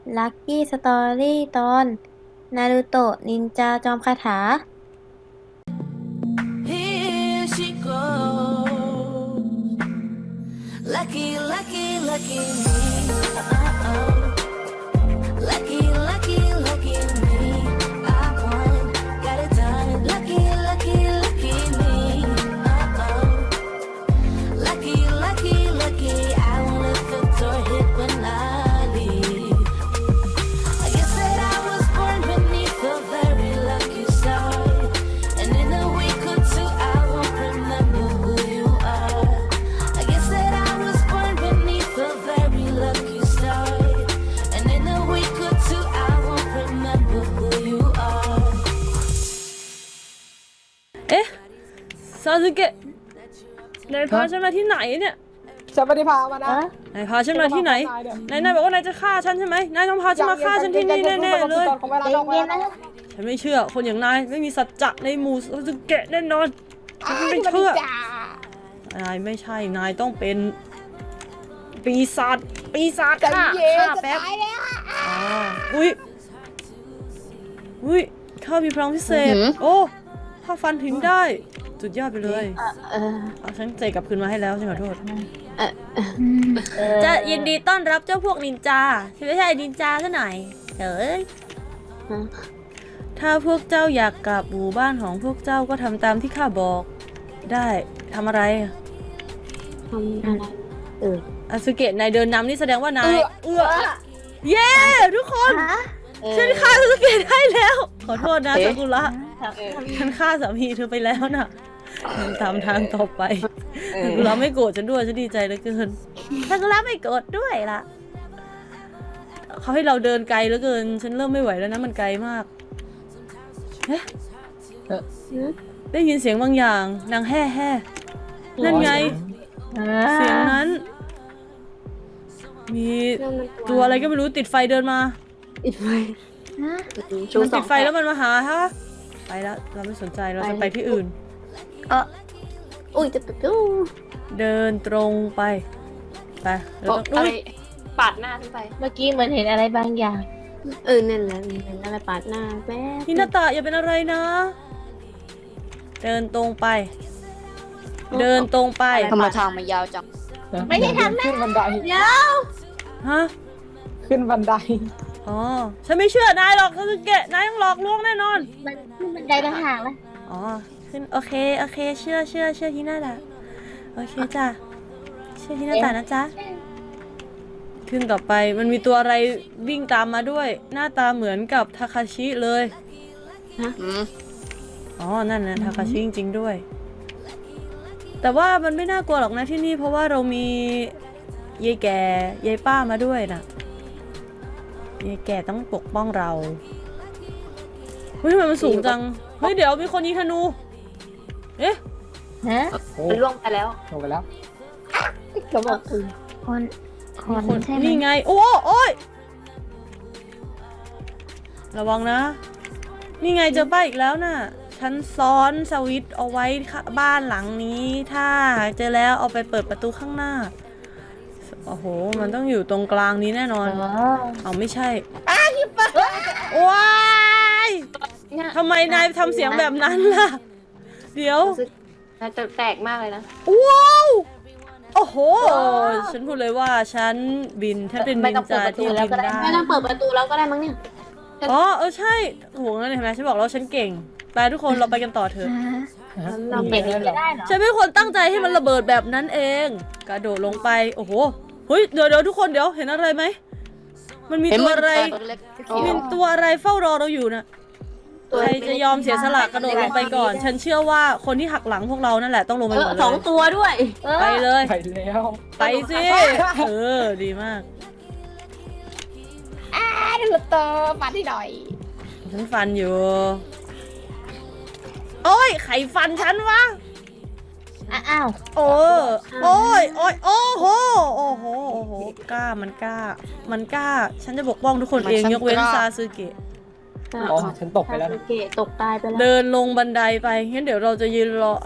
ลัคกี้สตอรี่ตอนนารูโตะนินจาจอมคาถา Here she goes. Lucky, lucky, lucky me. Uh-oh. Lucky, lucky, lucky me. I won, got it done. Lucky, lucky, lucky me. Uh-oh. Lucky, lucky, lucky. I won't let the door hit when I leave. I guess that I was born beneath a very lucky star. And in a week or two, I won't remember who you are. I guess that I was born beneath a very lucky star. And in a week or two, I won't remember who you are. เอ๊ะซาสึเกะนายพาฉันมาที่ไหนเนี่ยฉันไม่ได้พามานะนายพาฉันมาที่ไหนนายบอกว่านายจะฆ่าฉันใช่ไหมนายต้องพาฉันมาฆ่าฉันที่นี่แน่ๆเลยใจเย็นนะฉันไม่เชื่อคนอย่างนายไม่มีสัจจะในหมู่ซาสึเกะแน่นอนฉันไม่เชื่อนายไม่ใช่นายต้องเป็นปีศาจฆ่าแป๊บอุ้ยข้ามีพลังพิเศษโอ้ถ้าฟันถึงได้สุดยอดไปเลย เอาฉันเจกลับคืนมาให้แล้วฉันขอโทษจะยินดีต้อนรับเจ้าพวกนินจาฉันไม่ใช่นินจาซะหน่อยเฮ้ยถ้าพวกเจ้าอยากกลับหมู่บ้านของพวกเจ้าก็ทำตามที่ข้าบอกได้ทำอะไรทำอะไรอาซึเกะนายเดินนำนี่แสดงว่านายเย้ทุกคนฉันฆ่าอาซึเกะได้แล้วขอโทษนะซากุระฉันฆ่าสามีเธอไปแล้วน่ะตามทางต่อไปซากุระไม่โกรธฉันด้วยฉันดีใจเหลือเกินซากุระไม่โกรธด้วยล่ะเขาให้เราเดินไกลเหลือเกินฉันเริ่มไม่ไหวแล้วนะมันไกลมากเอ๊ะได้ยินเสียงบางอย่างนางแห่นั่นไงเสียงนั้นมีตัวอะไรก็ไม่รู้ติดไฟเดินมาปิดไฟมันติดไฟแล้วมันมาหาฮะไปแล้วเราไม่สนใจเราจะไปที่อื่นอุ้ยจะปิดตู้เดินตรงไปเราต้องอะไรปาดหน้าขึ้นไปเมื่อกี้เหมือนเห็นอะไรบางอย่างนั่นแหละเห็นอะไรปาดหน้าแป๊บฮินาตะอย่าเป็นอะไรนะ เดินตรงไป เดินตรงไปทำไมทางมันยาวจังไม่ได้ทำนะขึ้นบันไดเดี๋ยวฮะขึ้นบันไดอ๋อฉันไม่เชื่อนายหรอกซาสึเกะนายต้องหลอกลวงแน่นอนมันขึ้นบันไดต่างหากละอ๋อขึ้นโอเคเชื่อฮินาตะโอเคจ้ะเชื่อฮินาตะนะจ๊ะขึ้นต่อไปมันมีตัวอะไรวิ่งตามมาด้วย หน้าตาเหมือนกับทาคาชิเลยอ๋อนั่นนะทาคาชิจริงๆด้วยแต่ว่ามันไม่น่ากลัวหรอกนะที่นี่เพราะว่าเรามียายแก่ยายป้ามาด้วยนะยายแก่ต้องปกป้องเราเฮ้ยทำไมมันสูงจังเฮ้ยเดี๋ยวมีคนยิงธนูเอ๊ะฮะโอ้มันล่วงไปแล้วลงไปแล้วเขาบอกคนใช่ไหมนี่ไงโอ้ยระวังนะนี่ไงเจอป้ายอีกแล้วน่ะฉันซ้อนสวิตช์เอาไว้บ้านหลังนี้ถ้าเจอแล้วเอาไปเปิดประตูข้างหน้าโอ้โหมันต้องอยู่ตรงกลางนี้แน่นอนเอาไม่ใช่ว้ายทำไมนายทำเสียงแบบนั้นล่ะเดี๋ยวน่าจะแตกมากเลยนะว้าวโอ้โหฉันพูดเลยว่าฉันบินฉันเป็นนินจาที่บินได้ไม่ต้องเปิดประตูแล้วก็ได้มั้งเนี่ยอ๋อใช่โหงั้นเห็นไหมฉันบอกแล้วฉันเก่งไปทุกคนเราไปกันต่อเถอะเราเปิดไม่ได้เหรอฉันเป็นคนตั้งใจให้มันระเบิดแบบนั้นเองกระโดดลงไปโอ้โหเฮ้ยเดี๋ยวทุกคนเดี๋ยวเห็นอะไรไหมมันมีตัวอะไรตัวเล็กมีตัวอะไรเฝ้ารอเราอยู่นะใครจะยอมเสียสละกระโดดลงไปก่อน ฉันเชื่อว่าคนที่หักหลังพวกเรานั่นแหละต้องลงไปหมดเลยสองตัวด้วยไปเลยไปแล้วไปสิดีมากดูเตอร์มาที่หน่อยฉันฟันอยู่โอ้ยใครฟันฉันวะอ้าวโอ้ยโอ้โหกล้ามันกล้าฉันจะปกป้องทุกคนเองยกเว้นซาสึเกะอ๋อฉันตกไปแล้วนะเกะตกตายไปแล้วเดินลงบันไดไปงั้นเดี๋ยวเราจะยืนรอ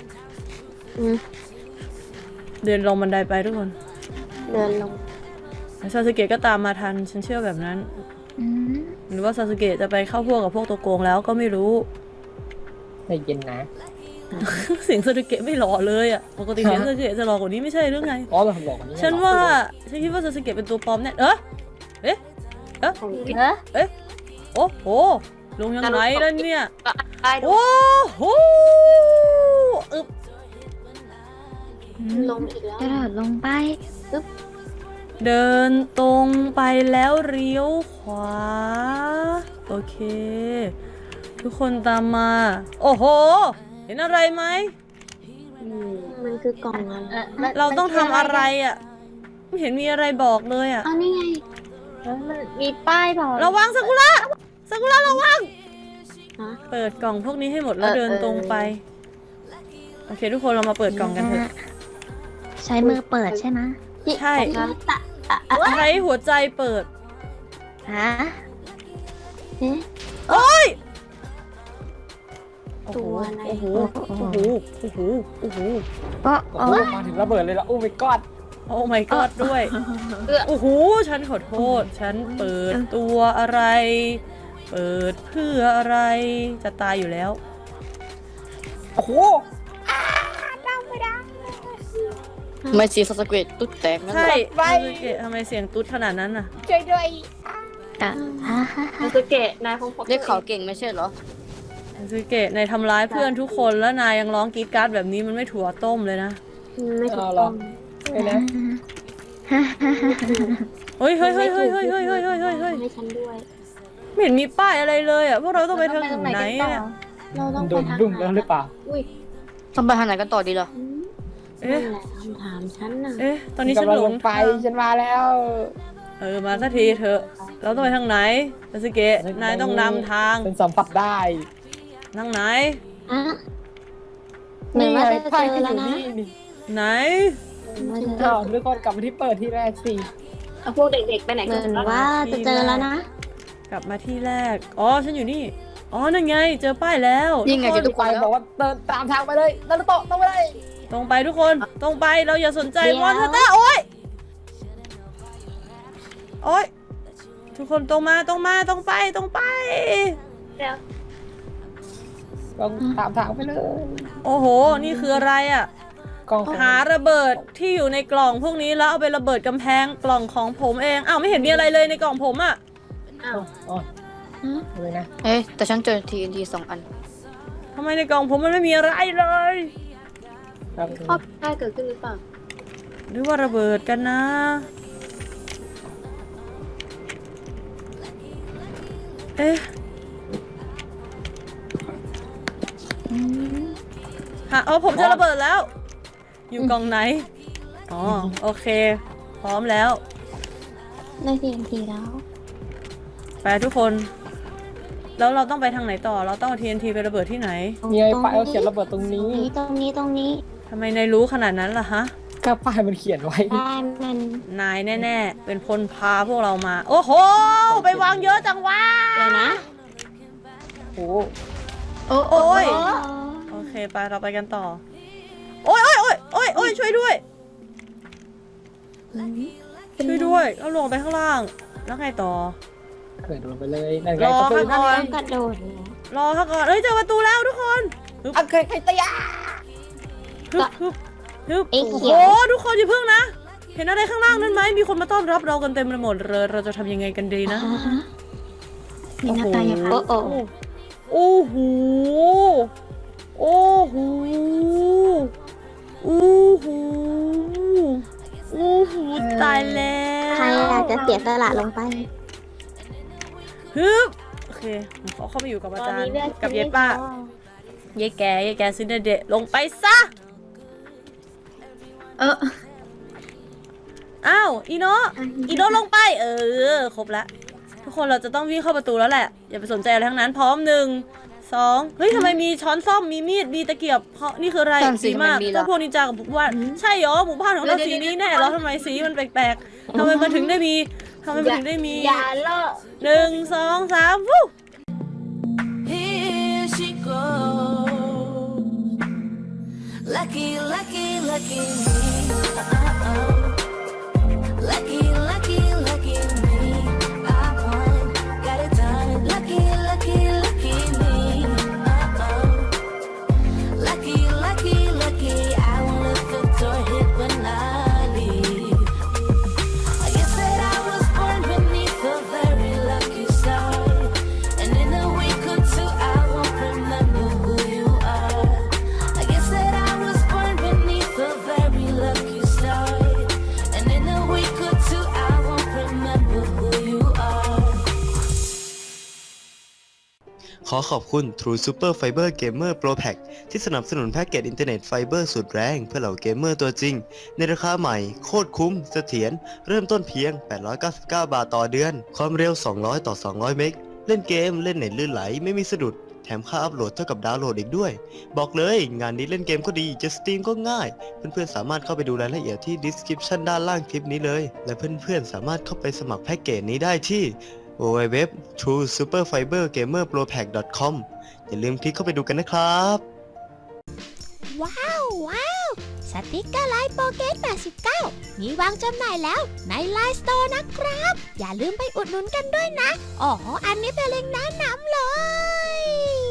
เดินลงบันไดไปทุกคนเดินลงซาสึเกะก็ตามมาทันฉันเชื่อแบบนั้นอืมหรือว่าซาสึเกะจะไปเข้าพวกกับพวกตัวโกงแล้วก็ไม่รู้ใจเย็นนะเสียงซาสึเกะไม่หล่อเลยอ่ะปกติเสียงซาสึเกะจะหล่อกว่านี้ไม่ใช่หรือไงอ๋อเราหลอกนี่ฉันว่าฉันคิดว่าซาสึเกะเป็นตัวปลอมแน่เอ๊ะเอ๊ะเออโอ้โหลงยังไงล่ะเนี่ยก็ได้ดูโอ้โหอึบลงอีกแล้วกระโดดลงไปเดินตรงไปแล้วเลี้ยวขวาโอเค ทุกคนตามมา โอ้โห เห็นอะไรไหมมันคือกล่องอะไรเราต้องทำอะไรอ่ะไม่เห็นมีอะไรบอกเลยอ่ะเอานี่ไงมันมีป้ายบอกระวังซากุระซากุระระวังฮะเปิดกล่องพวกนี้ให้หมดแล้วเดินตรงไป โอเค ทุกคนเรามาเปิดกล่องกันเถอะใช้มือเปิดใช่ไหมใช่ตะใช้หัวใจเปิดฮะเอ๊ะโอ้ยตัวอะไรโอ้โหโอ้โหโอ้โหโอ้โหก็โอ้โหมาถึงระเบิดเลยละโอ้ my god โอ้ my god ด้วยโอ้โหฉันขอโทษ ฉันเปิดตัวอะไร เปิดเพื่ออะไรจะตายอยู่แล้วโอ้โหไม่ซีสเกตตุ๊ดแตกนั่นใช่แหละซาสึเกะทำไมเสียงตุ๊ดขนาดนั้นน่ะช่วยด้วยอ่ะฮะซาสึเกะนายคงเรียกเขาเก่งไม่ใช่เหรอซาสึเกะนายทำร้ายเพื่อนทุกคนแล้วนายยังร้องกรีดกราร์ดแบบนี้มันไม่ถั่วต้มเลยนะไม่ถูกต้องไปนะเฮ้ยเฮ้ยเฮ้ยเฮ้ยเฮ้ยเฮ้ยเฮ้ยเฮ้ยเฮ้ยเฮ้ยให้ฉันด้วยไม่เห็นมีป้ายอะไรเลยอ่ะพวกเราต้องไปทางไหนเนี่ยเราต้องโดไปนทางดุ้งไหนแล้วหรือเปล่าอุ้ยต้องไปทางไหนกันต่อดีเหรอเอ๊ะนั่นแหละคำถามฉันน่ะเอ๊ะตอนนี้ฉันกำลังหลลงงไปฉันมาแล้วมาสักทีเถอะเราต้องไปทางไหนซาสึเกะนายต้องนำทางฉันสัมผัสได้ทางไหนอ่ะเหมือนว่าจะไพ่เจอที่อแล้วยู่นะนี่นี่ไหนอ้าวทุกคนกลับมาที่เปิดที่แรกสิเอาพวกเด็กๆไปไหนเหกัมืนอนว่าจะเจอแล้วนะกลับมาที่แรกอ๋อฉันอยู่นี่อ๋อนั่นไงเจอป้ายแล้วยิ่งไงทุจะกทุคกนคนแล้วบอกว่าเดินตามทางไปเลยนารุโตะต้องไปเลยตรงไปทุกคนตรงไปเราอย่าสนใจเดี๋ยวมอนสเตอร์โอ๊ยโอ๊ยทุกคนตรงมาตรงมาตรงไปตรงไปต้องตามทางไปเลยโอ้โห นี่คืออะไรอ่ะกล้องหาระเบิดที่อยู่ในกล่องพวกนี้แล้วเอาไประเบิดกำแพงกล่องของผมเอง อ้าวไม่เห็นมีอะไรเลยในกล่องผมอ่ะอ๋อเลยนะเอ๊ะแต่ฉันเจอ TNT 2 อันทำไมในกล่องผมมันไม่มีอะไรเลยครับข้อผิดพลาดเกิดขึ้นหรือเปล่าหรือว่าระเบิดกันนะ เอ๊ะผมจะระเบิดแล้ว อยู่กล่องไหน อ๋อ โอเค พร้อมแล้วได้TNTแล้วไปทุกคน แล้วเราต้องไปทางไหนต่อ เราต้องเอา TNT ไประเบิดที่ไหนมีไอ้ป้ายเขาเขียนระเบิดตรงนี้ตรงนี้ทำไมนายรู้ขนาดนั้นล่ะฮะก็ป้ายมันเขียนไว้ได้มันนายแน่ๆ เป็นคนพาพวกเรามา โอ้โห ไปวางเยอะจังวะเดี๋ยวนะโอ้โหโอ้ย โอเค ไปเราไปกันต่อ โอ้ยช่วยด้วย ช่วยด้วยเราลงไปข้างล่าง แล้วไงต่อเกิดลงไปเลยนั่นไงรอประตูค่ะนั่นก่ไงอนกระโดดเลยรอค่ะก่อนเอ้ยเจอประตูแล้วทุกคนอ่ะเคยใครตะยาฮึบไอ้โอ้เขีโหยวทุกคนอย่าเพิ่งนะ เห็นอะไรข้างล่างนั้นไหมมีคนมาต้อนรับเรากันเต็มไปหมดเลยเราจะทำยังไงกันดีนะมีหน้าตาอย่างนั้นโอ้โอ้โหโอ้โหโอ้โหโอ้โหตายแล้วใครอยากจะเสียสละลงไปฮึบโอเคผมขอเข้าไปอยู่กับอาจารย์กับยายป้ายายแกซินเดเดะลงไปซะอ้าวอีโนะลงไปครบแล้วทุกคนเราจะต้องวิ่งเข้าประตูแล้วแหละอย่าไปสนใจอะไรทั้งนั้นพร้อม1 2เฮ้ยทำไมมีช้อนส้อมมีมีดมีตะเกียบเพราะนี่คืออะไรนั่นสิสีมากมันมีเหรอเจ้าพวกนินจากับพวกว่าใช่เหรอหมู่บ้านของเราสีนี้แน่เหรอทำไมสีมันแปลกๆทำไมมันถึงได้มีอย่าเลอะ 1 2 3วู้ Here she goes. Lucky, lucky, lucky me. Lucky, lucky, ขอขอบคุณ True Super Fiber Gamer Pro Pack ที่สนับสนุนแพ็กเกจอินเทอร์เน็ตไฟเบอร์สุดแรงเพื่อเหล่าเกมเมอร์ตัวจริง ในราคาใหม่โคตรคุ้มเสถียรเริ่มต้นเพียง 899 บาทต่อเดือน ความเร็ว 200 ต่อ 200 เมกเล่นเกมเล่นเน็ตลื่นไหลไม่มีสะดุด แถมค่าอัพโหลดเท่ากับดาวน์โหลดอีกด้วย บอกเลยงานนี้เล่นเกมก็ดีจะสตรีมก็ง่าย เพื่อนๆสามารถเข้าไปดูรายละเอียดที่ description ด้านล่างคลิปนี้เลย และเพื่อนๆสามารถเข้าไปสมัครแพ็กเกจนี้ได้ที่ www.truesuperfibergamerpropack.com อย่าลืมคลิกเข้าไปดูกันนะครับว้าวสติกเกอร์ไลน์โปเกต89มีวางจำหน่ายแล้วในไลน์สโตร์นะครับ อย่าลืมไปอุดหนุนกันด้วยนะ อ๋อ อันนี้เป็นเล็งก์แนะนำเลย